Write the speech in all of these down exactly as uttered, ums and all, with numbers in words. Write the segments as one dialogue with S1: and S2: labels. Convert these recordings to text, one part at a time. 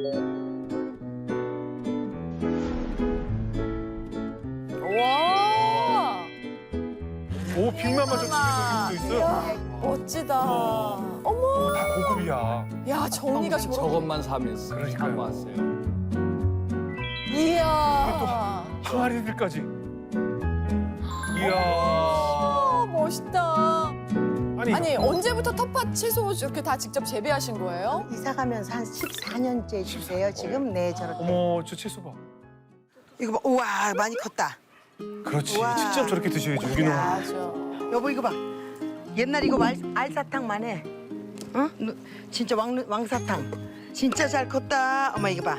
S1: 와.
S2: 오, 빅맘마 저 집에 저기 도 있어요.
S1: 멋지다. 어머.
S2: 다 고급이야.
S1: 야, 정리가 저렇게.
S3: 저것만 사면서
S2: 그러니까요.
S3: 참 왔어요.
S1: 이야.
S2: 항아리들까지. 이야.
S1: 아, 멋있다.
S2: 아니,
S1: 아니, 언제부터 텃밭 채소 이렇게 다 직접 재배하신 거예요?
S4: 이사 가면서 한 십사 년째 주세요. 지금 네 저렇게.
S2: 어머, 저 채소 봐.
S4: 이거 봐. 우와 많이 컸다.
S2: 그렇지.
S4: 우와.
S2: 직접 저렇게 드셔야죠, 유기농.
S1: 맞아.
S4: 여보 이거 봐. 옛날 이거 말, 알사탕만 해. 어? 누- 진짜 왕, 왕사탕. 진짜 잘 컸다. 어머 이거 봐.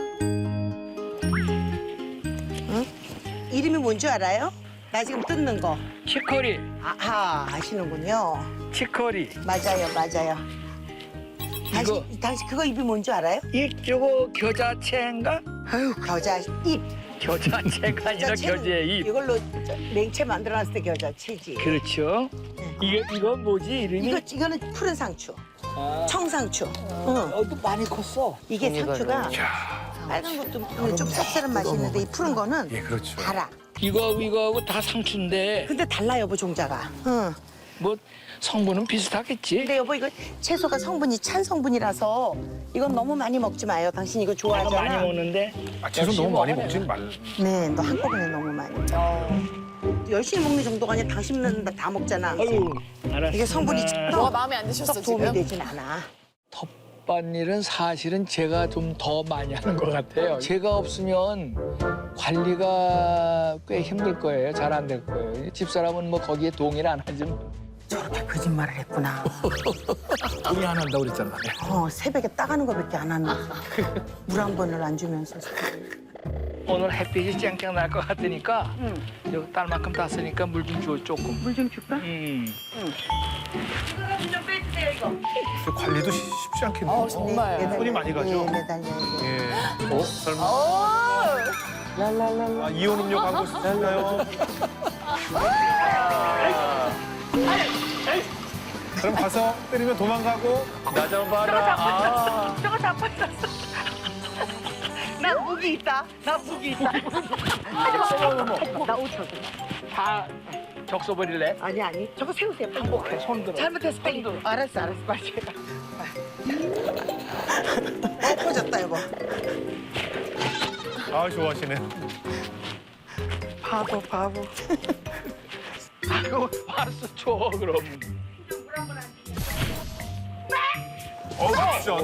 S4: 응? 이름이 뭔지 알아요? 나 지금 뜯는 거.
S5: 치커리,
S4: 아하 아시는군요.
S5: 치커리.
S4: 맞아요 맞아요. 당신, 당신 그거 입이 뭔지 알아요?
S5: 이쪽은 겨자채인가?
S4: 아유 겨자 잎.
S5: 겨자채가 아니라
S4: 겨자채는
S5: 겨자잎.
S4: 이걸로 저- 냉채 만들어놨을 때 겨자채지.
S5: 그렇죠. 이게 이건 뭐지 이름이?
S4: 이거 이거는 푸른 상추,
S5: 아,
S4: 청상추. 응.
S5: 어, 또 많이 컸어.
S4: 이게 상추가
S2: 이야.
S4: 빨간 것도 좀 쌉쌀한 맛이 있는데 이 푸른 거는
S2: 예, 그렇죠.
S4: 달아.
S5: 이거하고 이거하고 다 상추인데
S4: 근데 달라 여보 종자가. 응.
S5: 뭐 성분은 비슷하겠지.
S4: 근데 여보 이거 채소가 성분이 찬 성분이라서 이건 너무 많이 먹지 마요. 당신 이거
S5: 내가
S4: 좋아하잖아.
S5: 많이 먹는데
S2: 아, 채소 너무 많이 먹진 말.
S4: 네, 너 한꺼번에 너무 많이. 열심히 먹는 정도가 아니라 당신은 다 먹잖아.
S5: 아유 알았어.
S4: 이게 성분이
S1: 뭐가 마음에 안 드셨어,
S4: 썩 도움이
S1: 지금?
S4: 되진 않아.
S5: 텃밭일은 사실은 제가 좀 더 많이 하는 것 같아요. 제가 없으면 관리가 꽤 힘들 거예요. 잘 안 될 거예요. 집사람은 뭐 거기에 동의를 안 하지만
S4: 저렇게 거짓말을 했구나.
S5: 동의 안 한다고 그랬잖아.
S4: 어, 새벽에 따가는 거밖에 안 하는 물 한 번을 안 주면서.
S5: 오늘 햇빛이 쨍쨍 날 것 같으니까
S4: 응.
S5: 여기 딸만큼 땄으니까 물 좀 줘 조금.
S4: 물 좀 줄까?
S5: 음.
S2: 그 관리도 쉽- 쉽지 않겠네요.
S1: 어, 정말.
S4: 매달려.
S2: 손이 많이 가죠?
S4: 네, 매달려야 돼.
S2: 예. 어? 설마.
S1: 어.
S4: 랄랄랄라.
S2: 아, 이온 음료 광고 쓰실까요? 그럼 가서 때리면 도망가고. 나 좀 봐라. 아.
S4: 저거 다 빠졌어. 나 무기 있다. 나 무기 있다. 나 오천.
S5: 다 적셔버릴래?
S4: 아니 아니. 저거 세우세요.
S5: 행복해 손 들어.
S4: 잘못했어. 빨리. 알았어 알았어. 빨리. 어 퍼졌다 여보.
S2: 아, 좋아하시네.
S4: 바보 바보.
S5: 아이고 알았어 줘 그럼.
S2: 어, 진짜.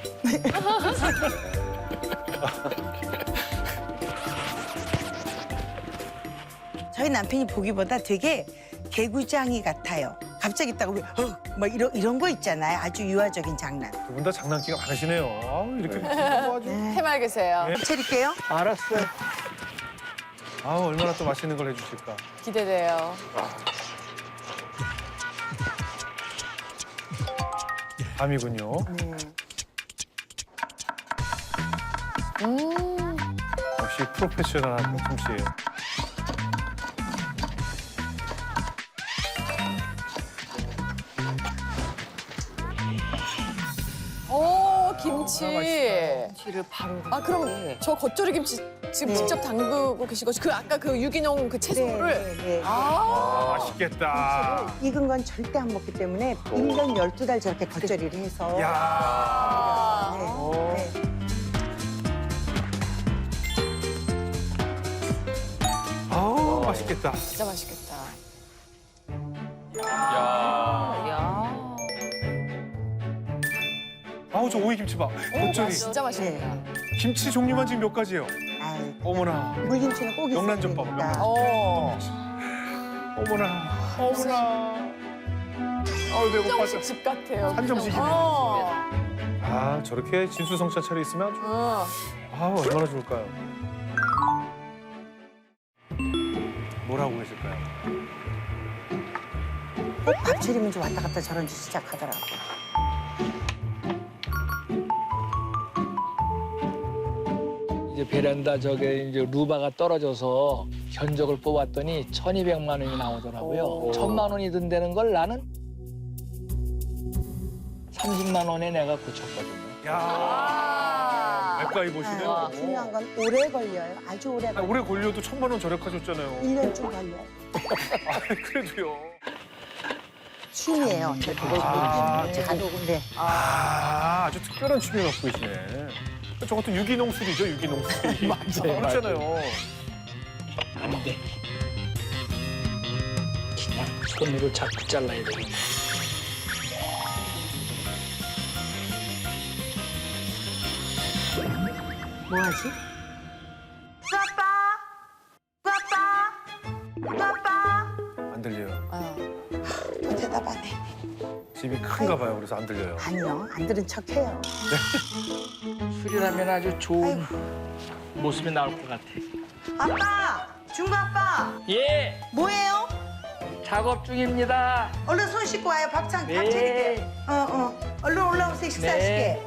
S4: 저희 남편이 보기보다 되게 개구장이 같아요. 갑자기 있다고 왜, 어, 막 이런 이런 거 있잖아요. 아주 유아적인 장난.
S2: 두 분 다 장난기가 많으시네요. 아우, 이렇게 뭐 아주.
S1: 해맑으세요.
S2: 네.
S4: 차릴게요.
S5: 알았어.
S2: 아우, 얼마나 또 맛있는 걸 해주실까.
S1: 기대돼요.
S2: 밤이군요.
S1: 음.
S2: 역시 프로페셔널한 솜씨예요.
S1: 오, 김치.
S6: 김치를 바로.
S1: 아, 그럼 저 겉절이 김치 지금
S4: 네.
S1: 직접 담그고 계신 거죠? 그 아까 그 유기농 그 채소를?
S4: 네, 네, 네.
S1: 아.
S2: 아, 맛있겠다.
S4: 익은 건 절대 안 먹기 때문에 일 년 열두 달 저렇게 겉절이를 해서.
S2: 야.
S1: 아.
S4: 네, 네.
S2: 아우, 맛있겠다.
S1: 진짜 맛있겠다.
S6: 야.
S2: 아우, 저 오이김치 봐. 겉절이.
S1: 진짜 맛있겠다.
S2: 김치 종류만 지금 몇 가지예요.
S4: 아이,
S2: 어머나.
S4: 물김치는 꼭 있어야
S2: 명란젓밥,
S4: 되니까.
S2: 명란젓.
S1: 어.
S2: 어머나. 어머나. 아우, 배고파서.
S1: 한정식 집 같아요.
S2: 한정식이네.
S1: 어.
S2: 아, 저렇게 진수성찬 차려 있으면 아주.
S1: 어.
S2: 아, 얼마나 좋을까요? 뭘 하고 계실까요?
S4: 꼭 밥 차리면 좀 왔다 갔다 저런 짓 시작하더라고.
S5: 이제 베란다 저게 이제 루바가 떨어져서 견적을 뽑았더니 천이백만 원이 나오더라고요. 천만 원이 든다는 걸 나는 삼십만 원에 내가 고쳤거든요.
S2: 야.
S1: 아.
S2: 가까이 보시네요.
S4: 아, 중요한 건 오래 걸려요. 아주 오래
S2: 아,
S4: 걸려요.
S2: 오래 걸려도 천만 원 절약하셨잖아요.
S4: 일 년쯤 걸려요.
S2: 아, 그래도요.
S4: 취미예요. 저 그걸
S2: 아,
S4: 보는 게. 제가 녹음돼.
S2: 아, 아주 특별한 취미 갖고 계시네. 저것도 유기농술이죠, 유기농술. 맞아요. 그렇잖아요.
S5: 안 돼. 그냥 손으로 자꾸 잘라야 되겠네.
S4: 뭐 하지? 아빠! 아빠! 아빠!
S2: 안 들려요.
S1: 아.
S4: 또 대답 안 해.
S2: 집이 큰가 봐요. 그래서 안 들려요.
S4: 아니요, 안 들은 척해요.
S5: 술이라면 아주 좋은 모습이 나올 것 같아.
S4: 아빠! 중구 아빠!
S5: 예,
S4: 뭐예요?
S5: 작업 중입니다.
S4: 얼른 손 씻고 와요. 밥상 밥
S5: 네.
S4: 차릴게요. 어, 어. 얼른 올라오세요. 식사하시게.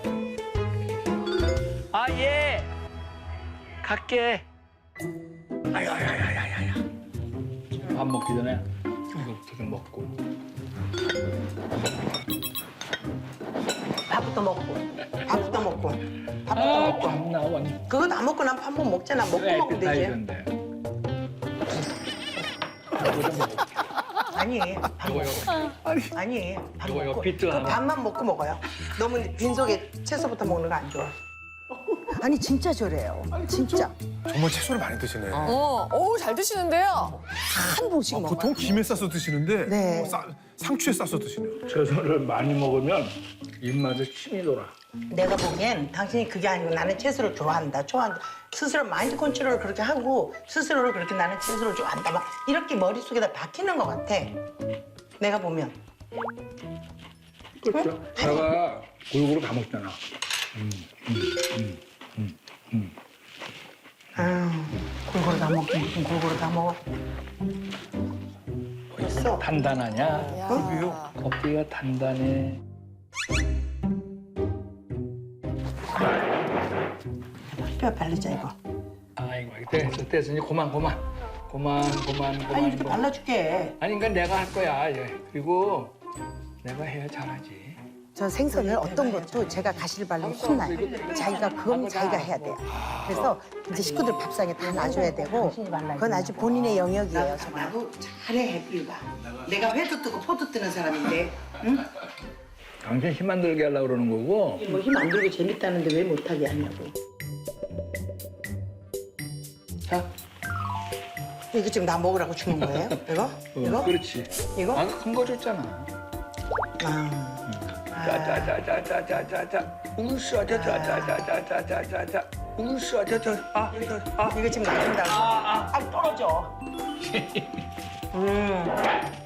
S5: 아, 예. 갈게. 아야야야야야야. 밥 먹기 전에 이거부터 좀 먹고.
S4: 밥부터 먹고. 밥부터 먹고. 밥부터
S5: 아,
S4: 먹고.
S5: 밥 나와.
S4: 그거 다 먹고 나면 밥 못 먹잖아. 먹고 먹으면 되지. 아니, 밥 먹고. 아니, 밥
S5: 이거, 이거
S4: 먹고.
S5: 비트
S4: 그
S5: 하나.
S4: 밥만 먹고 먹어요. 너무 빈속에 채소부터 먹는 거 안 좋아. 아니, 진짜 저래요. 진짜.
S2: 정말 채소를 많이 드시네.
S1: 어, 어우, 잘 드시는데요.
S4: 한 봉씩 먹어요.
S2: 보통 김에 싸서 드시는데
S4: 네.
S2: 어, 싸- 상추에 싸서 드시네요.
S5: 채소를 많이 먹으면 입맛에 침이 돌아.
S4: 내가 보기엔 당신이 그게 아니고 나는 채소를 좋아한다. 좋아한다. 스스로 마인드 컨트롤을 그렇게 하고 스스로를 그렇게 나는 채소를 좋아한다. 막 이렇게 머릿속에다 박히는 것 같아. 내가 보면.
S5: 그렇죠. 내가 골고루 다 먹잖아.
S4: 아유, 골고루 다 먹긴 무슨 골고루 다 먹어. 벌써?
S5: 단단하냐?
S1: 야.
S5: 껍데기가 단단해.
S4: 뼈 바르자, 이거.
S5: 아이고, 됐어, 됐어. 이제 그만, 그만. 그만, 그만, 그만.
S4: 아니, 이렇게
S5: 그만.
S4: 발라줄게.
S5: 아니, 그러니까 내가 할 거야. 예. 그리고 내가 해야 잘하지.
S4: 저 생선을 어떤 것도 제가 가시를 바르면 혼나요. 자기가 그건 자기가 해야 돼요. 그래서 이제 식구들 밥상에 다 놔줘야 되고 그건 아주 본인의 영역이에요. 나도 잘해, 해피가. 내가 회도 뜨고 포도 뜨는 사람인데 응?
S5: 당신 힘 안 들게 하려고 그러는 거고.
S4: 뭐 힘 안 들고 재밌다는데 왜 못하게 하냐고.
S5: 자,
S4: 이거 지금 나 먹으라고 주는 거예요? 이거?
S5: 어,
S4: 이거?
S5: 그렇지.
S4: 이거?
S5: 아, 큰 거 줬잖아.
S4: 아.
S5: 자자자자자자자자. 우수아, 자자자자자자자자. 우수아, 자자. 아, 아.
S4: 이거 지금 놔준다고.
S5: 아,
S4: 아, 떨어져. 음.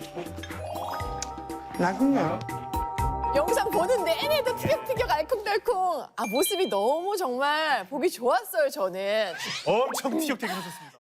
S4: 놔준다.
S1: 영상 보는 내내도 티격태격 알콩달콩. 아, 모습이 너무 정말 보기 좋았어요, 저는.
S2: 엄청 티격태격 하셨습니다.